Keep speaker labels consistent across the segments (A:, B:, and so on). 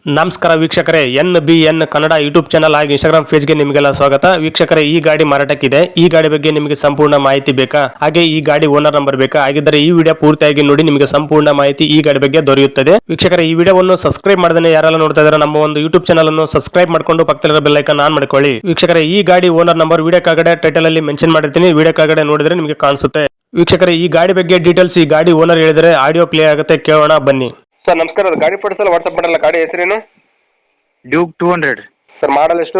A: ನಮಸ್ಕಾರ ವೀಕ್ಷಕರೇ, NBN Kannada YouTube channel ಹಾಗೂ ಇನ್ಸ್ಟಾಗ್ರಾಮ್ ಪೇಜ್ಗೆ ನಿಮಗೆಲ್ಲ ಸ್ವಾಗತ. ವೀಕ್ಷಕರೇ, ಈ ಗಾಡಿ ಮಾರಾಟಕ್ಕಿದೆ. ಈ ಗಾಡಿ ಬಗ್ಗೆ ನಿಮಗೆ ಸಂಪೂರ್ಣ ಮಾಹಿತಿ ಬೇಕಾ? ಹಾಗೆ ಈ ಗಾಡಿ ಓನರ್ ನಂಬರ್ ಬೇಕಾ? ಹಾಗಿದ್ದರೆ ಈ ವಿಡಿಯೋ ಪೂರ್ತಿಯಾಗಿ ನೋಡಿ, ನಿಮಗೆ ಸಂಪೂರ್ಣ ಮಾಹಿತಿ ಈ ಗಾಡಿ ಬಗ್ಗೆ ದೊರೆಯುತ್ತದೆ. ವೀಕ್ಷಕರೇ, ಈ ವಿಡಿಯೋವನ್ನು ಸಬ್ಸ್ಕ್ರೈಬ್ ಮಾಡದೇ ಯಾರೆಲ್ಲ ನೋಡ್ತಾ ಇದ್ದಾರೆ ನಮ್ಮ ಒಂದು ಯೂಟ್ಯೂಬ್ ಚಾನಲ್ ಅನ್ನು ಸಬ್ಸ್ಕ್ರೈಬ್ ಮಾಡ್ಕೊಂಡು ಪಕ್ಕದಲ್ಲಿರೋ ಬೆಲ್ ಐಕಾನ್ ಆನ್ ಮಾಡ್ಕೊಳ್ಳಿ. ವೀಕ್ಷಕರೇ, ಈ ಗಾಡಿ ಓನರ್ ನಂಬರ್ ವಿಡಿಯೋ ಕೆಳಗಡೆ ಟೈಟಲ್ ಅಲ್ಲಿ ಮೆನ್ಷನ್ ಮಾಡಿರ್ತೀನಿ, ವಿಡಿಯೋ ಕೆಳಗಡೆ ನೋಡಿದ್ರೆ ನಿಮಗೆ ಕಾಣಿಸುತ್ತೆ. ವೀಕ್ಷಕರೇ, ಈ ಗಾಡಿ ಬಗ್ಗೆ ಡೀಟೇಲ್ಸ್ ಈ ಗಾಡಿ ಓನರ್ ಹೇಳಿದರೆ ಆಡಿಯೋ ಪ್ಲೇ ಆಗುತ್ತೆ, ಕೇಳೋಣ ಬನ್ನಿ.
B: ಸರ್ ನಮಸ್ಕಾರ, ಅದು ಗಾಡಿ ಫೋಟೋಸ್ ಎಲ್ಲ ವಾಟ್ಸಪ್ ಮಾಡಲ್ಲ. ಗಾಡಿ ಹೆಸರೇನು?
C: ಡ್ಯೂಕ್ 200
B: ಸರ್ ಮಾಡಲ್ ಎಷ್ಟು?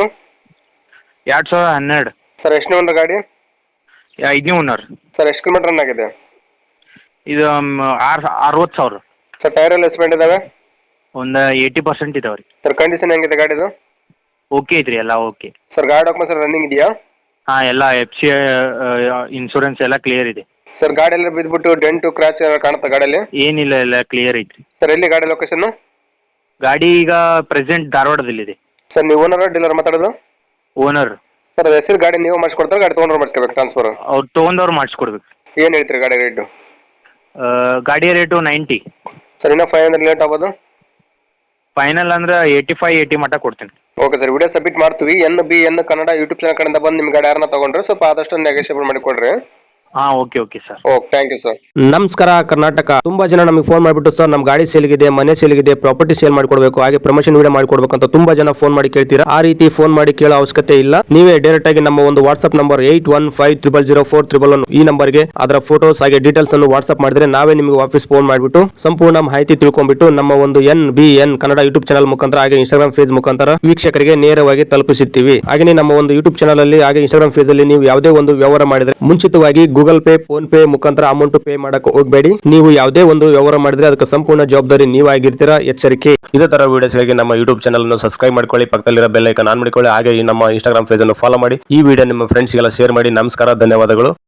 C: 2012
B: ಸರ್ ಎಷ್ಟು ಓನರ್ ಗಾಡಿ?
C: 5ನೇ ಓನರ್.
B: ಸರ್ ಎಷ್ಟು ಕಿಲೋಮೀಟರ್ ರನ್ ಆಗಿದೆ?
C: ಇದು 60,000.
B: ಸರ್ ಟೈರ್ ಎಲ್ಲ ಎಸ್ಪೆಂಡ್ ಇದಾವೆ?
C: ಒಂದು 80% ಇದಾವೆ ರೀ.
B: ಸರ್ ಕಂಡೀಷನ್ ಹೆಂಗಿದೆ ಗಾಡಿದು?
C: ಓಕೆ ಐತ್ರಿ, ಎಲ್ಲ ಓಕೆ.
B: ಸರ್ ಗಾಡಿ ಡಾಕ್ಯುಮೆಂಟ್ಸ್ ರನ್ನಿಂಗ್ ಇದೆಯಾ?
C: ಹಾಂ, ಎಲ್ಲ FC ಇನ್ಶೂರೆನ್ಸ್ ಎಲ್ಲ ಕ್ಲಿಯರ್ ಇದೆ.
B: ಸರ್ ಗಾಡಿ ಎಲ್ಲ ಬಿದ್ದುಬಿಟ್ಟು ಡೆಂಟು ಕ್ರಾಚ್ ಕಾಣುತ್ತಾ ಗಾಡಿಯಲ್ಲಿ?
C: ಏನಿಲ್ಲ, ಎಲ್ಲ ಕ್ಲಿಯರ್ ಐತ್ರಿ.
B: ಸರ್ ಎಲ್ಲಿ ಗಾಡಿ ಲೊಕೇಶನ್?
C: ಗಾಡಿ ಈಗ ಪ್ರೆಸೆಂಟ್ ಧಾರವಾಡದಲ್ಲಿದೆ.
B: ಸರ್ ನೀವು ಓನರ್ ಡೀಲರ್ ಮಾತಾಡೋದು?
C: ಓನರ್.
B: ಸರ್ ಹೆಸರು ಗಾಡಿ ನೀವು ಮಾಡಿಸ್ಕೊಡ್ತಾರೆ, ಗಾಡಿ ತೊಗೊಂಡ್ರೆ ಮಾಡಿಸ್ಕೋಬೇಕು ಟ್ರಾನ್ಸ್ಫರ್?
C: ಅವ್ರು ತೊಗೊಂಡವ್ರು ಮಾಡಿಸ್ಕೊಡ್ಬೇಕು.
B: ಏನು ಹೇಳ್ತೀರಿ ಗಾಡಿ ರೇಟು?
C: ಗಾಡಿ ರೇಟು 90.
B: ಸರ್ ಇನ್ನೂ 500 ಲೇಟ್ ಆಗ್ಬೋದು?
C: ಫೈನಲ್ ಅಂದ್ರೆ 85-80 ಮಟ್ಟ ಕೊಡ್ತೀನಿ.
B: ಓಕೆ ಸರ್, ವಿಡಿಯೋ ಸಬ್ಮಿಟ್ ಮಾಡ್ತೀವಿ. NBN ಕನ್ನಡ ಯೂಟ್ಯೂಬ್ ಚಾನಲ್ ಕಡೆಯಿಂದ ಬಂದು ನಿಮ್ಮ ಗಾಡಿ ಯಾರನ್ನ ತೊಗೊಂಡ್ರೆ ಸ್ವಲ್ಪ ಆದಷ್ಟು ನೆಗೋಷಿಯೇಬಲ್ ಮಾಡಿಕೊಡ್ರಿ.
C: ಹಾಂ, okay sir.
B: Okay, thank you sir.
A: ನಮಸ್ಕಾರ ಕರ್ನಾಟಕ. ತುಂಬಾ ಜನ ನಮಗೆ ಫೋನ್ ಮಾಡಿಬಿಟ್ಟು, ಸರ್ ನಮ್ಮ ಗಾಡಿ ಸೇಲ್ಗಿದೆ, ಮನೆ ಸೇಲ್ಗಿದೆ, ಪ್ರಾಪರ್ಟಿ ಸೇಲ್ ಮಾಡ್ಕೊಡ್ಬೇಕು, ಹಾಗೆ ಪ್ರಮೋಷನ್ ವಿಡಿಯೋ ಮಾಡ್ಕೊಡ್ಬೇಕು ಅಂತ ತುಂಬಾ ಜನ ಫೋನ್ ಮಾಡಿ ಕೇಳ್ತೀರಾ. ಆ ರೀತಿ ಫೋನ್ ಮಾಡಿ ಕೇಳೋ ಅವಶ್ಯಕತೆ ಇಲ್ಲ. ನೀವೇ ಡೈರೆಕ್ಟ್ ಆಗಿ ನಮ್ಮ ಒಂದು ವಾಟ್ಸ್ಆಪ್ ನಂಬರ್ 81500411 ಈ ನಂಬರ್ಗೆ ಅದರ ಫೋಟೋಸ್ ಹಾಗೆ ಡೀಟೇಲ್ಸ್ ಅನ್ನು ವಾಟ್ಸ್ಆಪ್ ಮಾಡಿದ್ರೆ ನಾವೇ ನಿಮಗೆ ವಾಪಸ್ ಫೋನ್ ಮಾಡಿಬಿಟ್ಟು ಸಂಪೂರ್ಣ ಮಾಹಿತಿ ತಿಳ್ಕೊಂಡ್ಬಿಟ್ಟು ನಮ್ಮ ಒಂದು NBN ಕನ್ನಡ ಯೂಟ್ಯೂಬ್ ಚಾನಲ್ ಮುಖಾಂತರ ಹಾಗೆ ಇನ್ಸ್ಟಾಗ್ರಾಮ್ ಪೇಜ್ ಮುಖಾಂತರ ವೀಕ್ಷಕರಿಗೆ ನೇರವಾಗಿ ತಲುಪಿಸುತ್ತೀವಿ. ಹಾಗೆ ನಮ್ಮ ಒಂದು ಯೂಟ್ಯೂಬ್ ಚಾನಲ್ ಅಲ್ಲಿ ಹಾಗೆ ಇನ್ಸ್ಟಾಗ್ರಾಮ್ ಪೇಜ್ ಅಲ್ಲಿ ನೀವು ಯಾವುದೇ ಒಂದು ವ್ಯವಹಾರ ಮಾಡಿದ್ರೆ ಮುಂಚಿತವಾಗಿ ಗೂಗಲ್ ಪೇ, ಫೋನ್ ಪೇ ಮುಖಾಂತರ ಅಮೌಂಟ್ ಪೇ ಮಾಡಕ್ಕೆ ಹೋಗಬೇಡಿ. ನೀವು ಯಾವುದೇ ಒಂದು ವ್ಯವಹಾರ ಮಾಡಿದ್ರೆ ಅದಕ್ಕೆ ಸಂಪೂರ್ಣ ಜವಾಬ್ದಾರಿ ನೀವಾಗಿರ್ತೀರಾ, ಎಚ್ಚರಿಕೆ. ಇದೇ ತರ ವಿಡಿಯೋಸ್ಗಾಗಿ ನಮ್ಮ ಯೂಟ್ಯೂಬ್ ಚಾನಲ್ ಅನ್ನು ಸಬ್ಸ್ಕ್ರೈಬ್ ಮಾಡ್ಕೊಳ್ಳಿ, ಪಕ್ಕದಲ್ಲಿರೋ ಬೆಲ್ ಐಕಾನ್ ಆನ್ ಮಾಡಿಕೊಳ್ಳಿ, ಹಾಗೆ ನಮ್ಮ ಇನ್ಸ್ಟಾಗ್ರಾಮ್ ಪೇಜ್ ಅನ್ನು ಫಾಲೋ ಮಾಡಿ. ಈ ವಿಡಿಯೋ ನಿಮ್ಮ ಫ್ರೆಂಡ್ಸ್ಗೆಲ್ಲ ಶೇರ್ ಮಾಡಿ. ನಮಸ್ಕಾರ, ಧನ್ಯವಾದಗಳು.